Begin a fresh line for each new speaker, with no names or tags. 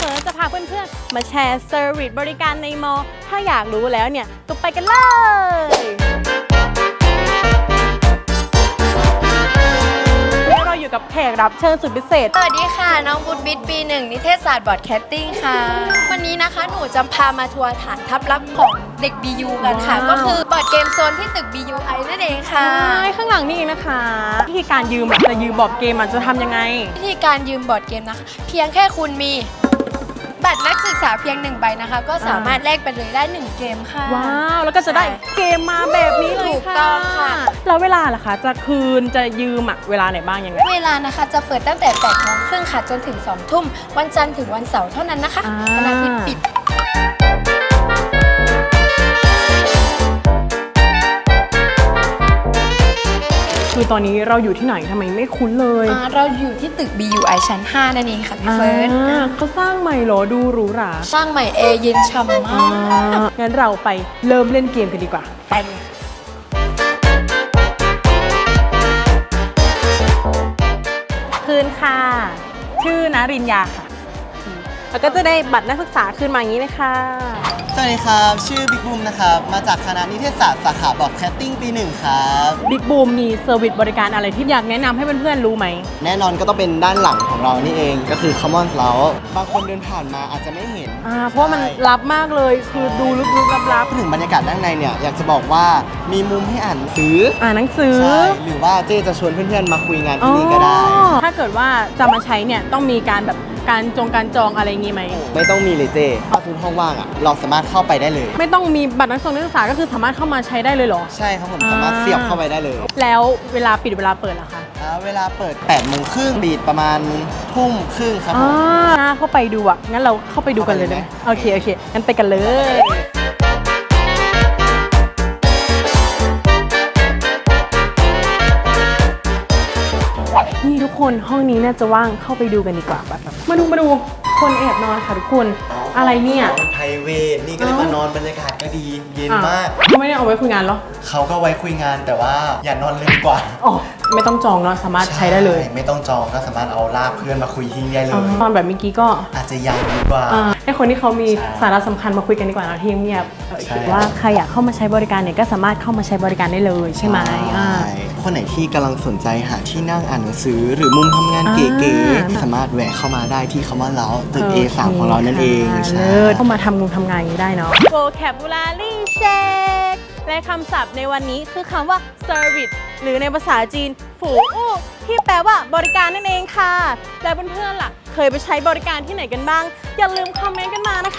จะพาเพื่อนๆมาแชร์เซอร์วิสบริการในมอ ถ้าอยากรู้แล้วเนี่ยก็ไปกันเลยเราอยู่กับแขกรับเชิญสุดพิเศษ
สวัสดีค่ะน้องบุญบิดปี1นิเทศศาสตร์บอร์ดแคสติ้งค่ะวันนี้นะคะหนูจะพามาทัวร์ฐานทัพลับของเด็ก BU กันค่ะก็คือบอร์ดเกมโซนที่ตึก BUI นั่นเองค่ะ
ข้างหลังนี่เองนะคะวิธีการยืมจะยืมบอร์ดเกมจะทำยังไง
วิธีการยืมบอร์ดเกมนะคะเพียงแค่คุณมีบัตรนักศึกษาเพียง1ใบนะคะก็สามารถแลกไปเลยได้1เกมค่ะ
ว้าวแล้วก็จะได้เกมมาแบบนี้เลย
ถูกต้องค่ะ
แล้วเวลาล่ะคะจะคืนจะยืมเวลาไหนบ้างยังไง
เวลานะคะจะเปิดตั้งแต่8 โมงครึ่งค่ะจนถึง2 ทุ่มวันจันทร์ถึงวันเสาร์เท่านั้นนะคะวันอาทิตย์ปิด
คือตอนนี้เราอยู่ที่ไหนทำไมไม่คุ้นเลย
เราอยู่ที่ตึก BUI ชั้น 5 นั่นเองค่ะพี่เฟิร์น
เขาสร้างใหม่เหรอดูหรูหรา
สร้างใหม่แอร์เย็นฉ่ำมาก
งั้นเราไปเริ่มเล่นเกมกันดีกว่าไปคืนค่ะชื่อณรินยาค่ะแล้วก็จะได้บัตรนักศึกษาคืนมาอย่างนี้เลยค่ะ
สวัสดีครับชื่อบิ๊กบูมนะครับมาจากคณะนิเทศศาสตร์สาขาบอร์ดแคสติ้งปี1ครับ
บิ๊กบูมมีเซอร์วิสบริการอะไรที่อยากแนะนำให้เพื่อนๆรู้ไหม
แน่นอนก็ต้องเป็นด้านหลังของเรานี่เองก็คือ Commons แล้วบางคนเดินผ่านมาอาจจะไม่เห็น
เพราะมันลับมากเลยคือดูลึกๆลับ
ๆถึงบรรยากาศด้านในเนี่ยอยากจะบอกว่ามีมุมให้อ่านหนังสือใช่หรือว่าเจ๊จะชวนเพื่อนๆมาคุยงานที่นี่ก็ได้
ถ้าเกิดว่าจะมาใช้เนี่ยต้องมีการแบบการจองอะไรงี้ไหม
ไม่ต้องมีเลยเจ๊ถ้าทุกห้องว่างเราสามารถเข้าไปได้เลย
ไม่ต้องมีบัตรนักศึกษาก็คือสามารถเข้ามาใช้ได้เลยเหรอ
ใช่ครับผมสามารถเสียบเข้าไปได้เลย
แล้วเวลาปิดเวลาเปิดล่ะคะ
เวลาเปิด8 โมงครึ่งปิดประมาณทุ่มครึ่งครับผม
เข้าไปดูงั้นเราเข้าไปดูกันเลยนะโอเคงั้นไปกันเลยนี่ทุกคนห้องนี้น่าจะว่างเข้าไปดูกันดีกว่าแบบมาดูคนแอบนอนค่ะทุกคนอะไรเนี่ย
ไพรเวทนี่ก็เลยมานอนบรรยากาศก็ดีเย็นมาก
เขาไม่ได้เอาไว้คุยงานหรอ
เขาก็ไว้คุยงานแต่ว่าอย่านอนเลยดีกว่า
ไม่ต้องจองเนาะสามารถใช้ได้เลย
ไม่ต้องจองก็สามารถเอาลากเพื่อนมาคุยที่นี่ได้เลย
ตอนแบบเมื่อกี้ก็
อาจจะยังดีกว่า
ให้คนที่เขามีสาระสำคัญมาคุยกันดีกว่าเนาะที่เงียบคิดว่าใครอยากเข้ามาใช้บริการเนี่ยก็สามารถเข้ามาใช้บริการได้เลยใช่ไหม
คนไหนที่กำลังสนใจหาที่นั่งอ่านหนังสือหรือมุมทำงานเก๋ๆสามารถแวะเข้ามาได้ที่คำว่าเล้าตึก A3 ของเรานั่นเอง
เข้ามาทำงานอย่างนี้ได้เนาะ vocabulary check และคำศัพท์ในวันนี้คือคำว่า service หรือในภาษาจีนฝูอู้ที่แปลว่าบริการนั่นเองค่ะแล้วเพื่อนๆล่ะเคยไปใช้บริการที่ไหนกันบ้างอย่าลืมคอมเมนต์กันมานะคะ